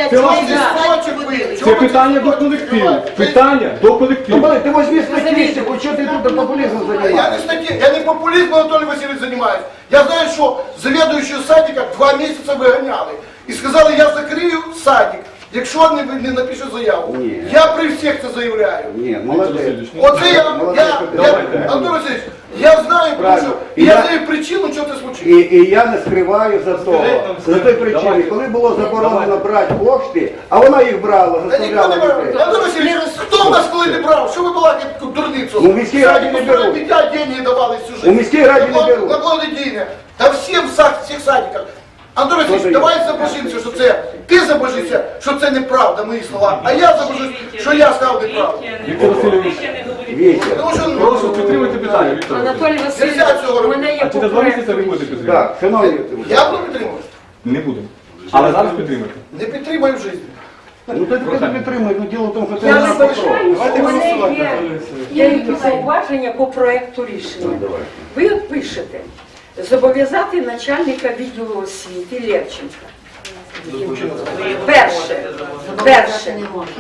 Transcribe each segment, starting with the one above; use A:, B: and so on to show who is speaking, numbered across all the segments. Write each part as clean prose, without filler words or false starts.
A: Це питання до колективу. Питання до колективу.
B: Ты возьми статистику, что ты тут популизмом занимаешься?
C: Я не популизмом, Анатолий Васильевич, занимаюсь. Я знаю, что заведующего садика 2 месяца выгоняли. И сказали, я закрию садик, якщо не напишу заяву.
B: Ні.
C: Я при всіх це заявляю.
B: Нет, молодец.
C: Оце Антон Васильевич, я знаю, тому що я знаю причину, що це случилось.
B: І я не скриваю за того. За той причини, коли було заборонено брати кошти, а вона їх брала,
C: Та ніхто не
B: заставляла
C: брав.
B: дітей.
C: Антон Васильевич, хто в нас коли не брав? Що ви балакаєте таку дурницю?
B: У міській раді не беруть.
C: Дитя деньги давали всю жизнь.
B: У міській раді не беруть.
C: На благодійне. Та всім в всіх садиках. Антон Васильович, давай забожимося, що це, ти забожишся, що це неправда, мої слова, а я забожусь, що я сказав неправду.
A: Віктор Васильович,
B: Вітя.
C: Тому що,
A: прошу підтримати питання, Віктор Васильович.
D: Анатолій Васильович, у мене є
A: А через 2 місяці ви будете підтримувати?
B: Так, шановні.
C: я буду підтримувати.
A: Не будемо. Але зараз підтримати.
C: Не підтримаю в житті.
B: Ну ти підтримуй, ну діло в тому, що це
D: Я
B: не
D: вибачаюсь,
B: Давайте
D: у мене
B: голосувати.
D: є деякі зауваження по проекту рішення. Ви от пишете, зобов'язати начальника відділу освіти Левченка. Перше,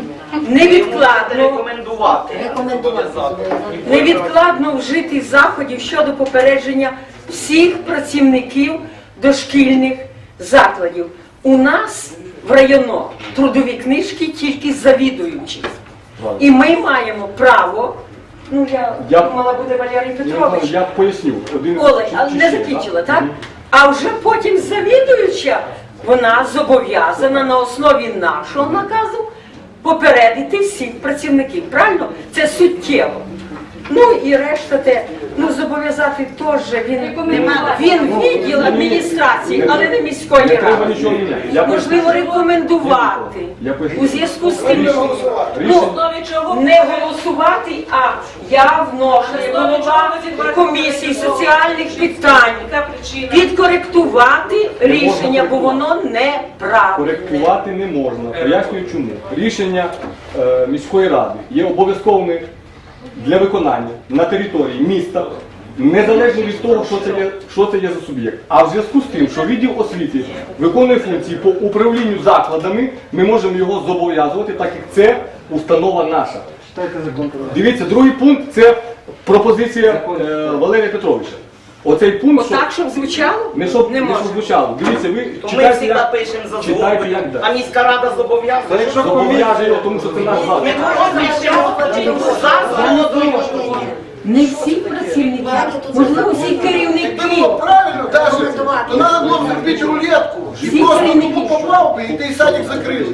D: невідкладно вжити заходів щодо попередження всіх працівників дошкільних закладів. У нас в районо трудові книжки тільки завідуючі. І ми маємо право, ну я думала, буде Валерій Петрович.
A: Я поясню.
D: Олег, але не закінчила, так? А вже потім завідуюча, вона зобов'язана на основі нашого наказу попередити всіх працівників. Правильно? Це суттєво. Ну і решта те, ну зобов'язати теж він відділ адміністрації, але не міської
A: треба
D: ради.
A: нічого міняти.
D: Можливо, рекомендувати у зв'язку з тим, ну, не голосувати, а я вношу голова комісії соціальних питань підкоректувати рішення, бо воно неправильне.
A: Коректувати не можна. Пояснюю чому. Рішення міської ради є обов'язковими для виконання на території міста, незалежно від того, що це є за суб'єкт. А в зв'язку з тим, що відділ освіти виконує функції по управлінню закладами, ми можемо його зобов'язувати, так як це установа наша. Дивіться, другий пункт – це пропозиція Валерія Петровича. Оцей пункт,
D: Отак, щоб звучало?
A: не щоб
D: можна.
A: звучало. Дивіться, ви
E: То ми
A: читайте,
E: завжди пишемо за
A: читайте,
E: згодою,
A: як
E: а міська рада зобов'язує.
A: зобов'язує, тому що це наш заклад.
E: Ми пишемо за згодою.
D: Не всі працівники, можливо, всі
C: Якби
D: керівники.
C: було правильно, Даша, то треба було б зробити рулетку. І
D: Всі
C: просто
D: керівники.
C: тупо попав би, і той садик закрили.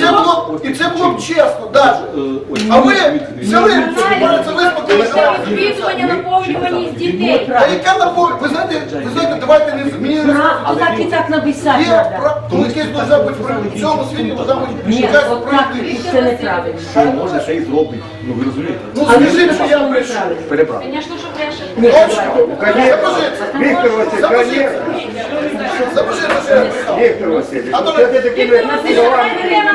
C: І це було б чесно, Даша. А ви взяли, це виспокоїли.
F: Відвідування, наповнюваність дітей.
C: А яка наповнення? Ви знаєте, давайте не змінимо.
D: А так і так написати
C: Є,
D: треба.
C: ну якесь должна бути в цьому світі, должна бути
D: Ні,
C: якась
D: от так
C: справедливість.
D: це неправильно.
A: Що можна, ще й зробить. Ну ви розумієте?
C: Ну скажіть, що я прийшов.
A: Переправ.
F: Звісно, що брешете.
D: Ні,
C: Точно?
D: давайте.
B: Віктор Васильович,
C: Запишіть, що я прийшов.
B: Віктор Васильович,
C: А то
B: що ти такими словами?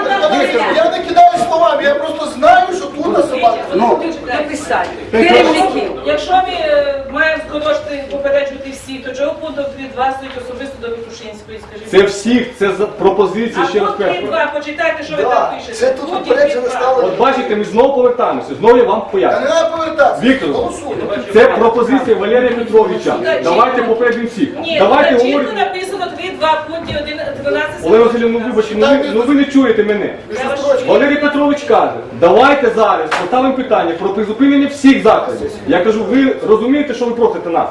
C: Я не кидаю словами, я просто знаю, що тут на собаку.
B: Ну,
D: Написати. Керівників.
G: Якщо ми маємо скорочити, попереджувати всі, то чого пункту 3.2 стоїть особисто до Витушинської, скажіть?
A: Це всіх, це пропозиція,
G: А
A: ще раз
G: пункт
A: кажу.
G: 3.2, почитайте, що ви там пишете.
C: Це тут
G: Пункт
C: попереджено
G: 3.2.
C: стало.
A: От бачите, ми знову повертаємося, знову я вам
C: Та не
A: поясню.
C: треба повертатися.
A: Віктор,
C: Голосуємо.
A: це пропозиція Валерія Петровича. Давайте попередимо всіх.
G: Ні,
A: Давайте
G: тут чітко
A: говоримо.
G: написано 3.2 пункті 12.
A: Олег Васильович, ну вибачте, ну ви не чуєте мене. Валерій Петрович каже, давайте зараз поставимо питання про призупинення всіх закладів. Я кажу, ви розумієте, що ви просите нас?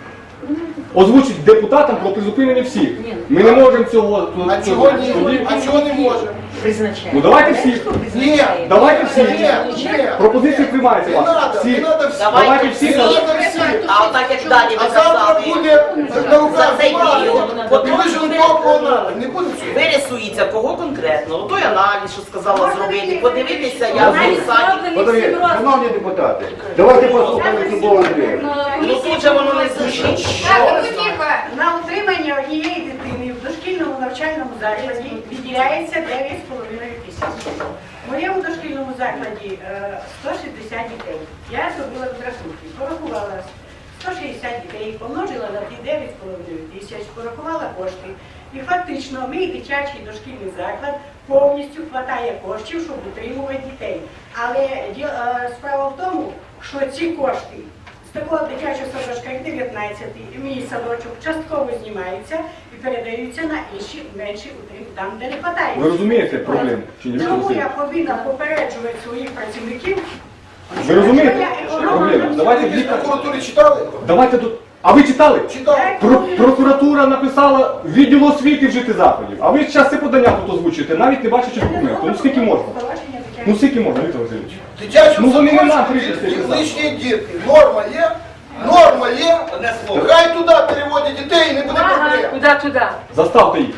A: Озвучить депутатам про призупинення всіх. Ми не можемо цього.
C: А чого ні? А чого не можемо?
D: Призначає.
A: Ну давайте всіх.
C: Ні.
A: Давайте всі.
C: Ні.
A: Пропозиції приймаються
C: Не
A: вас.
C: треба,
A: Всі.
C: не треба всі.
A: Давайте всі.
C: Не треба всі.
E: А отак як далі
C: А
E: ви
C: завтра
E: казали,
C: буде на руках
E: За цей
C: бумага.
E: період
C: От ви ж кого надо. Не буде цього.
E: вирисується кого конкретно. Той аналіз, що сказала зробити, подивитися, як в саді.
B: подивіться, шановні депутати, давайте послухаємо Любов Андріївну.
E: Ну тут же воно не звучить, що.
H: На утримання однієї дитини в дошкільному навчальному закладі виділяється 9,5 тисяч. В моєму дошкільному закладі 160 дітей. Я зробила розрахунки, порахувала 160 дітей, помножила на ті 9,5 тисяч, порахувала кошти. І фактично мій дитячий дошкільний заклад повністю вистачає коштів, щоб утримувати дітей. Але справа в тому, що ці кошти з такого дитячого садочка, як 19-й, мій садочок, частково знімаються і передаються на інші менші утримки, там, де не вистачає.
A: Ви розумієте проблему? Чи ні?
H: Тому я повинна попереджувати своїх працівників.
A: Ви розумієте, що проблема? Давайте
C: Ви в прокуратурі читали?
A: Давайте тут. А ви читали?
C: Читали.
A: Прокуратура написала відділу освіти вжити заходів. А ви зараз це подання тут озвучуєте, навіть не бачачи документів. Ну скільки можна? Ну скільки можна, Віктор Васильович?
C: Дитячому
A: Ну, вони не нам
C: садочку
A: прийшли,
C: і
A: це
C: лишні дітки. Норма є? Норма є? Хай туди переводять дітей і не буде
D: Ага,
C: проблем.
D: куди туди?
A: Заставте їх.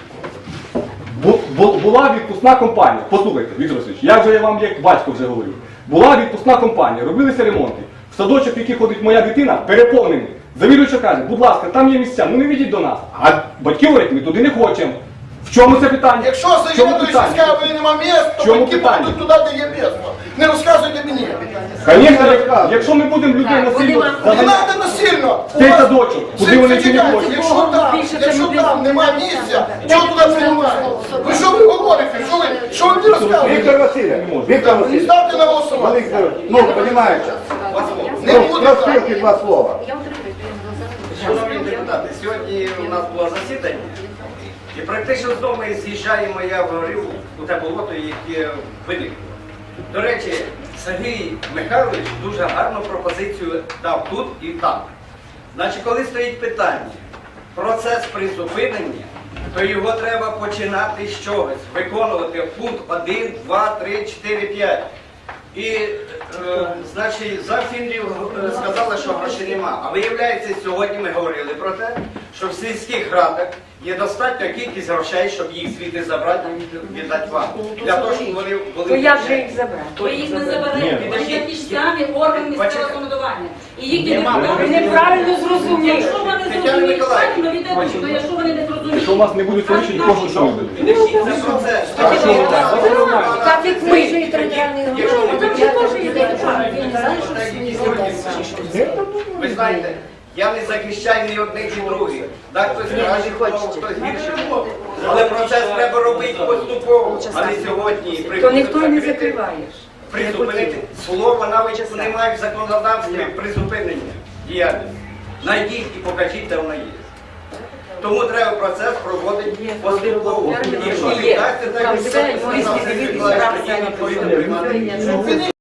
A: Була відпускна компанія. Послухайте, Віктор Васильович, я вам як батько вже говорю. Була відпускна компанія, робилися ремонти. В садочок, в який ходить моя дитина, переповнений. Завідувача каже, будь ласка, там є місця, ну не ведіть до нас. А батьки говорять, ми туди не хочемо. В чому це питання?
C: Якщо
A: В чому
C: завідуючий
A: питання?
C: скаже, що нема місць, то
A: Чому
C: батьки
A: питання?
C: будуть туди, де є місце. Не розказуйте мені.
A: Звісно, якщо ми будемо людей насильно
C: Не
A: заганяти
C: треба насильно.
A: в цей садочок, куди вони чи не
C: Зачекайте,
A: хочуть.
C: якщо там нема місця, чого туди приймаєте? Ви що ви говорите? Що ви мені розказуєте?
B: Віктор Васильович, Віктор Васильович,
C: Ставте на голосування.
B: Віктор, ну, розумієте,
C: Не буде так.
B: розкрити два слова.
I: Шановні депутати, сьогодні у нас було засідання, і практично знову ми з'їжджаємо, я говорив, у те болото, яке виникло. До речі, Сергій Михайлович дуже гарну пропозицію дав тут і там. Значить, коли стоїть питання, процес призупинення, то його треба починати з чогось, виконувати пункт 1, 2, 3, 4, 5. І, значить, за фінрів сказали, що грошей нема. А виявляється, сьогодні ми говорили про те, що в сільських радах є достатня кількість грошей, щоб їх звідти забрати і віддати вам. Для того, щоб вони були...
D: То як же їх забрати?
F: Ви їх не заберете. Вони такі ж самі органи місцевого самоврядування. І їхні
I: Нема.
F: депутати...
D: Ви неправильно зрозуміли.
F: Якщо вони зрозуміють правильно, віддадуть. То якщо вони не зрозуміють...
A: Якщо у нас не будуть вирішені, кожен що буде.
I: Підождіть, це процес.
D: Так як ми.
I: Ви знаєте, я не захищаю ні одних, ні других. Так хтось краще, хтось гірше. Але процес треба робити поступово, а не сьогодні.
D: То ніхто і не закриваєш.
I: Призупинити. Слова навіть немає в законодавстві призупинення діяльності. Найдіть і покажіть, де вона є. Тому треба процес проводити поступово. Якщо не
D: Є.
I: вдасться, так
D: Там
I: і
D: все,
I: все.
D: юристи дивитися,
I: Тоді відповідно приймати.